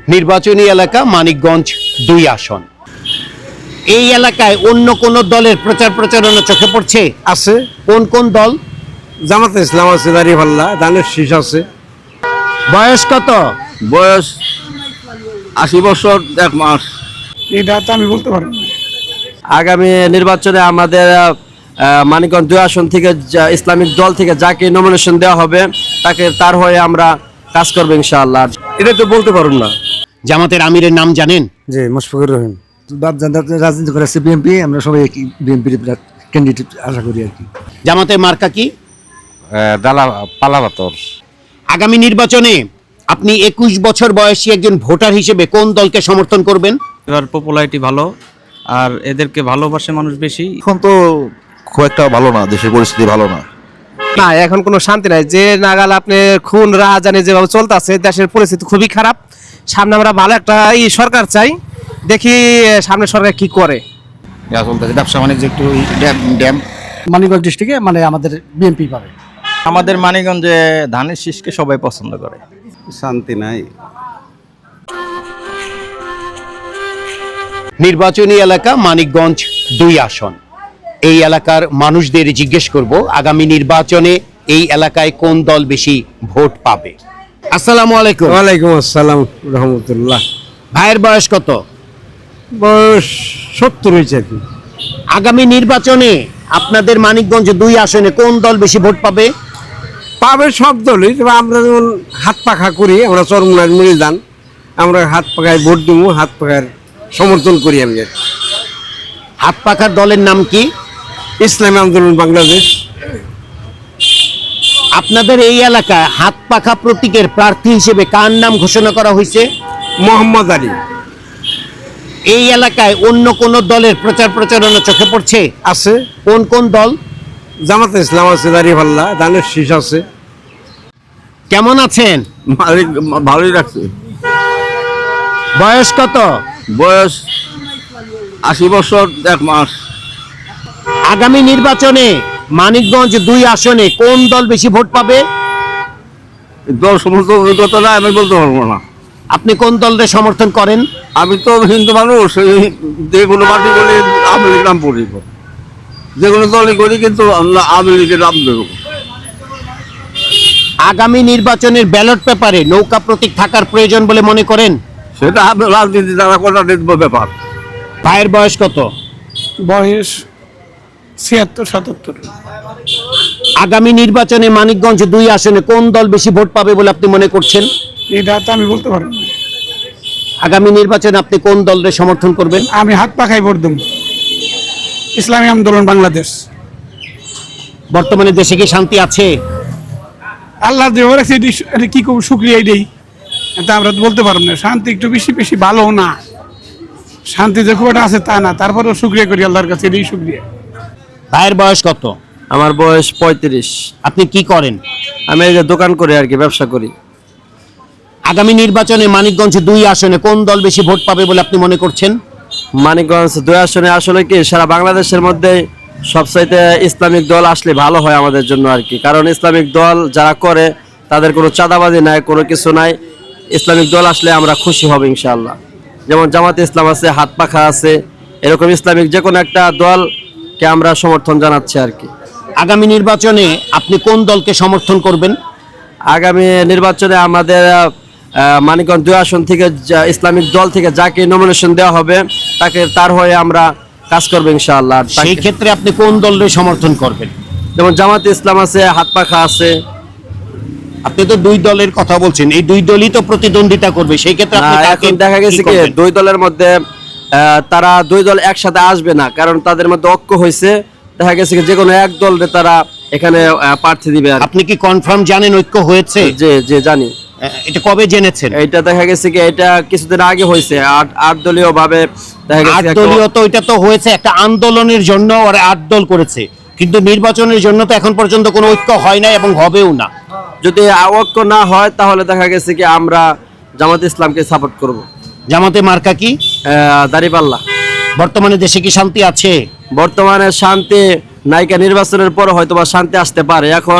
নির্বাচনী এলাকা মানিকগঞ্জ ২ আসন। এই এলাকায় অন্য কোন দলের প্রচার প্রচারণা চোখে পড়ছে? আছে। কোন কোন দল? জামাতে ইসলাম আছে, দাঁড়িপাল্লা, ধানের শীষ আছে। বয়স কত? বয়স ৮০ বছর ১ মাস। এটা তো আমি বলতে পারবো না। আগামী নির্বাচনে আমাদের মানিকগঞ্জ ২ আসন থেকে ইসলামিক দল থেকে যাকে নমিনেশন দেওয়া হবে তার হয়ে আমরা কাজ করবো ইনশাআল্লাহ। এটা তো বলতে পারবো না। জামাতের আমিরের নাম জানেন? জি, মুশফিকুর রহিম। রাজনীতি করেছে বিএনপি, আমরা সবাই বিএনপির ক্যান্ডিডেট আশা করি আর কি। জামাতের মার্কা কি? পালাবাতর। আগামী নির্বাচনে আপনি ২১ বছর বয়সী একজন ভোটার হিসেবে কোন দলকে সমর্থন করবেন? এবার পপুলারিটি ভালো, আর এদেরকে ভালোবাসে মানুষ বেশি। এখন তো খুব একটা ভালো না, দেশের পরিস্থিতি ভালো না। না, এখন কোনো শান্তি নাই। যে নাগাল আপনি খুন রাজানি যেভাবে চলতেছে, দেশের পরিস্থিতি খুবই খারাপ। সামনে আমরা ভালো একটা সরকার চাই, দেখি সামনে সরকার কি করে। ব্যবসা বাণিজ্য একটু ড্যাম। মানিকগঞ্জ ডিস্ট্রিক্টে মানে আমাদের বিএনপি পাবে। আমাদের মানিকগঞ্জে ধানের শীষকে সবাই পছন্দ করে। শান্তি নাই। নির্বাচনী এলাকা মানিকগঞ্জ ২ আসন। এই এলাকার মানুষদের জিজ্ঞেস করব আগামী নির্বাচনে এই এলাকায় কোন দল বেশি ভোট পাবে। আসসালামু আলাইকুম। ওয়ালাইকুম আসসালাম রহমতুল্লাহ। ভাইয়ের বয়স কত? বয়স ৭০ হয়েছে আর কি। আগামী নির্বাচনে আপনাদের মানিকগঞ্জ ২ আসনে কোন দল বেশি ভোট পাবে? পাবে সব দলই, তবে আমরা যেমন হাত পাখা করি, আমরা চরমুনার মরিদান, আমরা হাত পাখায় ভোট দিব, হাত পাখার সমর্থন করি। আমি হাত পাখার দলের নাম কি? ইসলামী আন্দোলন বাংলাদেশ। আপনাদের এই এলাকায় হাত পাখা প্রতীকের প্রার্থী হিসেবে কার নাম ঘোষণা করা হয়েছে? মোহাম্মদ আলী। এই এলাকায় অন্য কোন দলের প্রচার প্রচারণা চোখে পড়ছে? আছে। কোন কোন দল? জামাতে ইসলাম আছে, দাঁড়িপাল্লা, ধানের শীষ আছে। কেমন আছেন? ভালোই রাখছে। বয়স কত? বয়স ৮০ বছর ১ মাস। আগামী নির্বাচনে মানিকগঞ্জ ২ আসনে কোন দল বেশি ভোট পাবে? দল সমস্ত অভিজ্ঞতা না, আমি বলতে পারবো না। আপনি কোন দলের সমর্থন করেন? আমি তো হিন্দু মানুষ, যে কোনো পার্টি করি আওয়ামী লীগ নাম পড়ি, যে কোনো দলই করি, কিন্তু আওয়ামী লীগের নাম দেবো। আগামী নির্বাচনের ব্যালট পেপারে নৌকা প্রতীক থাকার প্রয়োজন বলে মনে করেন? সেটা রাজনীতি দ্বারা করা ব্যাপার। ভাইয়ের বয়স কত? বয়স ৭৬-৭৭। আগামী নির্বাচনে মানিকগঞ্জ ২ আসনে কোন দল বেশি ভোট পাবে বলে আপনি মনে করছেন? এটা তো আমি বলতে পারবো না। আগামী নির্বাচনে আপনি কোন দলের সমর্থন করবেন? আমি হাত পাখায় ভোট দেব, ইসলামী আন্দোলন বাংলাদেশ। বর্তমানে দেশে কি শান্তি আছে? আল্লাহ যে রাখছে, এটা কি করবো, শুক্রিয়া। এটাই এটা আমরা তো বলতে পারবো না। শান্তি একটু বেশি বেশি ভালো না, শান্তি যে খুব একটা আছে তা না, তারপরেও শুক্রিয়া করি আল্লাহর কাছে, এটাই শুক্রিয়া। ভাইয়ের বয়স কত? আমার বয়স ৩৫। আপনি কি করেন? আমি এই যে দোকান করি আর কি, ব্যবসা করি। আগামী নির্বাচনে মানিকগঞ্জ ২ আসনে কোন দল বেশি ভোট পাবে বলে আপনি মনে করছেন? মানিকগঞ্জ ২ আসনে আসলে কি সারা বাংলাদেশের মধ্যে সবচাইতে ইসলামিক দল আসলে ভালো হয় আমাদের জন্য আর কি। কারণ ইসলামিক দল যারা করে তাদের কোনো চাঁদাবাজি নাই, কোনো কিছু নাই। ইসলামিক দল আসলে আমরা খুশি হব ইনশাআল্লাহ। যেমন জামাতে ইসলাম আছে, হাত পাখা আছে, এরকম ইসলামিক যে কোনো একটা দলকে আমরা সমর্থন জানাচ্ছি আর কি। আগামী নির্বাচনে আপনি কোন দলকে সমর্থন করবেন? আগামী নির্বাচনে আমাদের মানিকগঞ্জ ২ আসন থেকে ইসলামিক দল থেকে যাকে নমিনেশন দেওয়া হবে তার হয়ে আমরা কাজ করবো ইনশাআল্লাহ। সেই ক্ষেত্রে আপনি কোন দলের সমর্থন করবেন? যেমন জামাতে ইসলাম আছে, হাত পাখা আছে। আপনি তো ২ দলের কথা বলছেন, এই ২ দলই তো প্রতিদ্বন্দ্বিতা করবে, সেই ক্ষেত্রে আপনি এখন দেখা গেছে কি ২ দলের মধ্যে তারা ২ দল একসাথে আসবে না, কারণ তাদের মধ্যে ঐক্য হয়েছে। দেখা গেছে যে কোনো এক দলরে তারা এখানে প্রার্থী দিবে। আপনি কি কনফার্ম জানেন ঐক্য হয়েছে? যে জানি। এটা কবে জেনেছেন? এটা দেখা গেছে কি এটা কিছুদিন আগে হয়েছে, ৮ দলীয় ভাবে দেখা গেছে। ৮ দলীয় তো এটা তো হয়েছে একটা আন্দোলনের জন্য, আর ৮ দল করেছে, কিন্তু নির্বাচনের জন্য তো এখন পর্যন্ত কোনো ঐক্য হয় নাই এবং হবেও না। যদি ঐক্য না হয় তাহলে দেখা গেছে কি আমরা জামাতে ইসলামকে সাপোর্ট করব। জামাতে মার্কা কি? দাঁড়িপাল্লা। বর্তমানে দেশে কি শান্তি আছে? বর্তমানে শান্তি নায়িকা নির্বাচনের পর হয়তো বা শান্তি আসতে পারে। এখন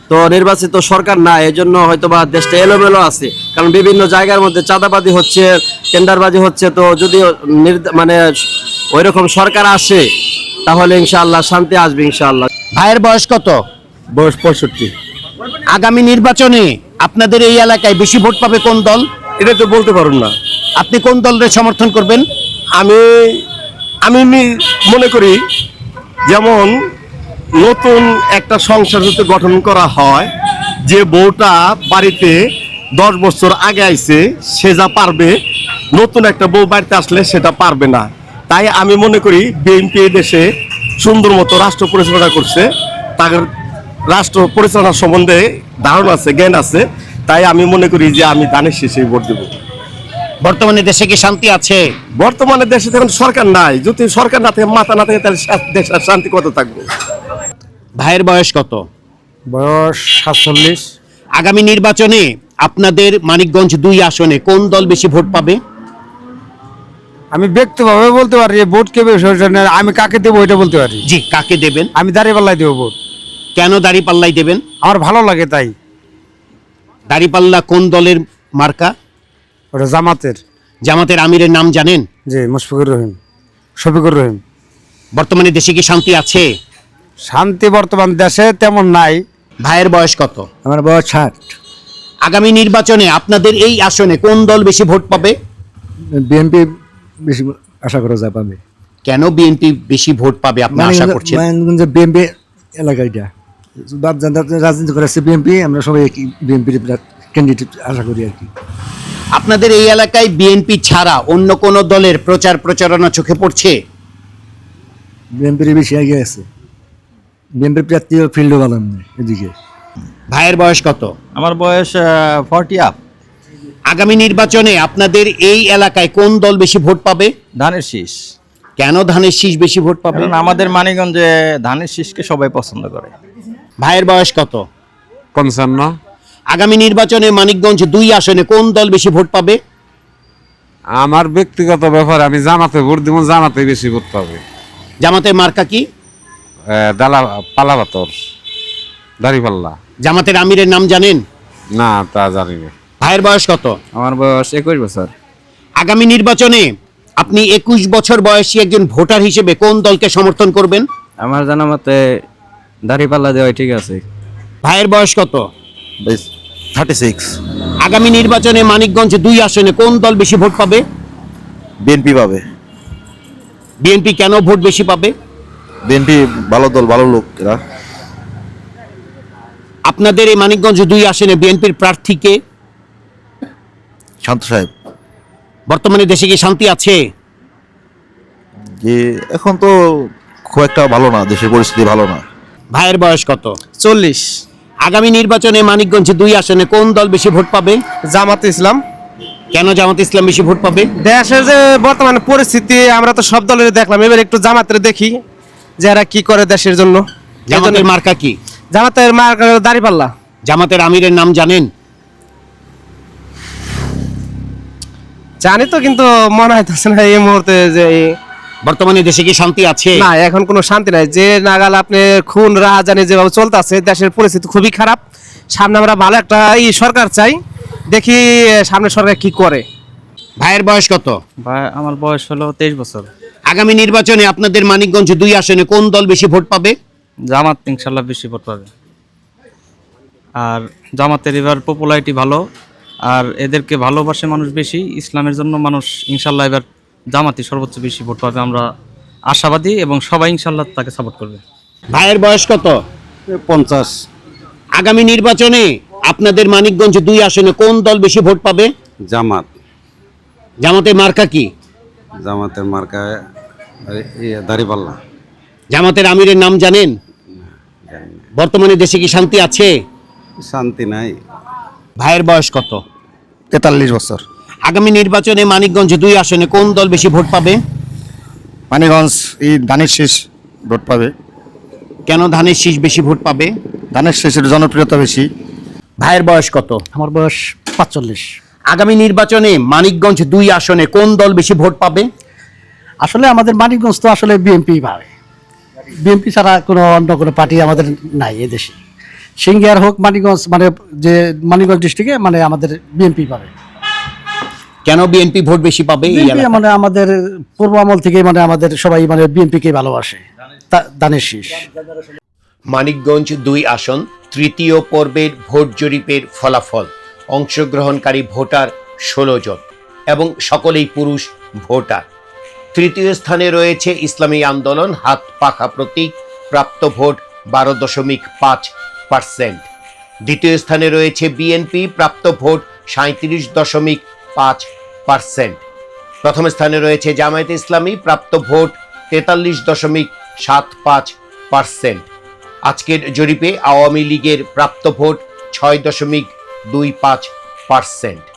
তো নির্বাচিত সরকার না, এই জন্য হয়তো বা দেশটা এলোমেলো আছে, কারণ বিভিন্ন জায়গার মধ্যে চাঁদাবাজি হচ্ছে, টেন্ডারবাজি হচ্ছে। তো যদি মানে ওই রকম সরকার আসে তাহলে ইনশাআল্লাহ শান্তি আসবে ইনশাআল্লাহ। ভাইয়ের বয়স কত? বয়স 65। আগামী নির্বাচনে আপনাদের এই এলাকায় বেশি ভোট পাবে কোন দল? এটা তো বলতে পারুন না। আপনি কোন দলের সমর্থন করবেন? আমি মনে করি যেমন নতুন একটা সংসার যদি গঠন করা হয়, যে বউটা বাড়িতে 10 বছর আগে আইছে সে যা পারবে, নতুন একটা বউ বাড়িতে আসলে সেটা পারবে না। তাই আমি মনে করি বিএনপি দেশে সুন্দর মতো রাষ্ট্র পরিচালনা করছে, তাদের রাষ্ট্র পরিচালনা সম্বন্ধে ধারণা আছে, জ্ঞান আছে। তাই আমি মনে করি যে আমি ধানের শীষে ভোট দেবো। বর্তমানে দেশে কি শান্তি আছে? বর্তমানে দেশে এখন সরকার নাই, যদি সরকার না থাকে, মাথা না থাকে, তাহলে দেশের শান্তি কত থাকবে? ভাইয়ের বয়স কত? বয়স 47। আগামী নির্বাচনে আপনাদের মানিকগঞ্জ 2 আসনে কোন দল বেশি ভোট পাবে? আমি ব্যক্তিগতভাবে বলতে পারি যে ভোট কে বেশি হচ্ছে না, আমি কাকে দেবো ওইটা বলতে পারি। জি, কাকে দেবেন? আমি দাঁড়িপাল্লায় দেবো ভোট। কেন দাঁড়িপাল্লাই দেবেন? আমার ভালো লাগে তাই। দাঁড়িপাল্লা কোন দলের মার্কা? ওটা জামাতের। জামাতের আমিরের নাম জানেন? জি, মুশফিকুর রহিম, শফিকুর রহিম। বর্তমানে দেশে কি শান্তি আছে? শান্তি বর্তমান দেশে তেমন নাই। ভাইয়ের বয়স কত? আমার বয়স 60। আগামী নির্বাচনে আপনাদের এই আসনে কোন দল বেশি ভোট পাবে? বিএনপি বেশি আশা করা যায় পাবে। কেন বিএনপি বেশি ভোট পাবে আপনি আশা করছেন? মানিকগঞ্জে বিএনপি এলাকা এটা বাদ রাজনীতি করেছে বিএনপি, আমরা সবাই বিএনপির ক্যান্ডিডেট আশা করি আর কি। আপনাদের এই এলাকায় বিএনপি ছাড়া অন্য কোন দলের প্রচার প্রচারণা চোখে পড়ছে? বিএনপির বেশি এগিয়ে আছে। বিএনপির প্রার্থী ফিল্ডও ভালো নেই এদিকে। ভাইয়ের বয়স কত? আমার বয়স 40 আপ। আগামী নির্বাচনে আপনাদের এই এলাকায় কোন দল বেশি ভোট পাবে? ধানের শীষ। কেন ধানের শীষ বেশি ভোট পাবে? কারণ আমাদের মানিকগঞ্জে ধানের শীষকে সবাই পছন্দ করে। ভাইয়ের বয়স কত? 55। আগামী নির্বাচনে মানিকগঞ্জ 2 আসনে কোন দল বেশি ভোট পাবে? আমার ব্যক্তিগত ব্যাপার, আমি জামাতে ভোট দিব, জামাতে বেশি ভোট পাবে। জামাতের মার্কা কি? পালাপাতর, দাড়িপাল্লা। জামাতের আমিরের নাম জানেন? না, তা জানি না। ভাইয়ের বয়স কত? আমার বয়স 21 বছর। আগামী নির্বাচনে আপনি 21 বছর বয়সী একজন ভোটার হিসেবে কোন দলকে সমর্থন করবেন? আমার জানা মতে দাড়িপাল্লা দেওয়াই ঠিক আছে। ভাইয়ের বয়স কত? 36। আগামী নির্বাচনে মানিকগঞ্জ 2 আসনে কোন দল বেশি ভোট পাবে? বিএনপি পাবে। বিএনপি কেন ভোট বেশি পাবে? বিএনপি ভালো দল, ভালো লোক এরা। আপনাদের এই মানিকগঞ্জ 2 আসনে বিএনপির প্রার্থীকে? শান্ত সাহেব। বর্তমানে দেশে কি শান্তি আছে? যে এখন তো খুব একটা ভালো না, দেশের পরিস্থিতি ভালো না। ভাইয়ের বয়স কত? 40। আগামী নির্বাচনে মানিকগঞ্জ 2 আসনে কোন দল বেশি ভোট পাবে? জামাতে ইসলাম। কেন জামাত ইসলাম বেশি ভোট পাবে? দেশের যে বর্তমানে পরিস্থিতি, আমরা তো সব দলের দেখলাম, এবার একটু জামাতের দেখি যে এরা কি করে দেশের জন্য। জামাতের মার্কা কি? জামাতের মার্কা দাঁড়িপাল্লা। জামাতের আমিরের নাম জানেন? জানি তো, কিন্তু মনে হইতেছে না এই মুহূর্তে যে বর্তমানে দেশে কি শান্তি আছে? না, এখন কোনো শান্তি নাই। যে নাগাল আপনি খুন রাহাজানি যেভাবে চলতেছে, দেশের পরিস্থিতি খুবই খারাপ। সামনে আমরা ভালো একটা সরকার চাই, দেখি সামনে সরকার কি করে। ভাইয়ের বয়স কত? ভাই আমার বয়স হলো 23 বছর। আগামী নির্বাচনে আপনাদের মানিকগঞ্জ 2 আসনে কোন দল বেশি ভোট পাবে? জামাত ইনশাল্লাহ বেশি ভোট পাবে। আর জামাতের এবার পপুলারিটি ভালো, আর এদেরকে ভালোবাসে মানুষ বেশি। ইসলামের জন্য মানুষ ইনশাল্লাহ এবার জামাতই সর্বোচ্চ বেশি ভোট পাবে, আমরা আশাবাদী, এবং সবাই ইনশাল্লাহ তাকে সাপোর্ট করবে। ভাইয়ের বয়স কত? 50। আগামী নির্বাচনে আপনাদের মানিকগঞ্জ 2 আসনে কোন দল বেশি ভোট পাবে? জামাত। জামাতের মার্কা কি? জামাতের মার্কা দাড়িপাল্লা। জামাতের আমিরের নাম জানেন? বর্তমানে দেশে কি শান্তি আছে? শান্তি নাই। ভাইয়ের বয়স কত? 43 বছর। আগামী নির্বাচনে মানিকগঞ্জ 2 আসনে কোন দল বেশি ভোট পাবে? মানিকগঞ্জ এই ধানের শীষ ভোট পাবে। কেন ধানের শীষ বেশি ভোট পাবে? ধানের শীষের জনপ্রিয়তা বেশি। ভাইয়ের বয়স কত? আমার বয়স 45। আগামী নির্বাচনে মানিকগঞ্জ 2 আসনে কোন দল বেশি ভোট পাবে? আসলে আমাদের মানিকগঞ্জ তো আসলে বিএনপি পাবে। বিএনপি ছাড়া কোনো অন্য কোনো পার্টি আমাদের নাই এদেশে। সিঙ্গিয়ার হোক মানিকগঞ্জ, মানে যে মানিকগঞ্জ ডিস্ট্রিক্টে মানে আমাদের বিএনপি পাবে। কেন বিএনপি ভোট বেশি পাবে এই বিএনপি এলাকায়? মানে আমাদের পূর্ব আমল থেকে মানে আমাদের সবাই মানে বিএনপিকে ভালোবাসে, দানের শীষ। মানিকগঞ্জ 2 আসন তৃতীয় পর্বের ভোট জরিপের ফলাফল। অংশগ্রহণকারী ভোটার 16 জন এবং সকলেই পুরুষ ভোটার। তৃতীয় স্থানে রয়েছে ইসলামী আন্দোলন হাত পাখা প্রতীক, প্রাপ্ত ভোট 12.5%। দ্বিতীয় স্থানে রয়েছে বিএনপি, প্রাপ্ত ভোট 37.5%। প্রথম স্থানে রয়েছে জামায়াতে ইসলামী, প্রাপ্ত ভোট 43.75%। আজকের জরিপে আওয়ামী লীগের প্রাপ্ত ভোট 6.25%।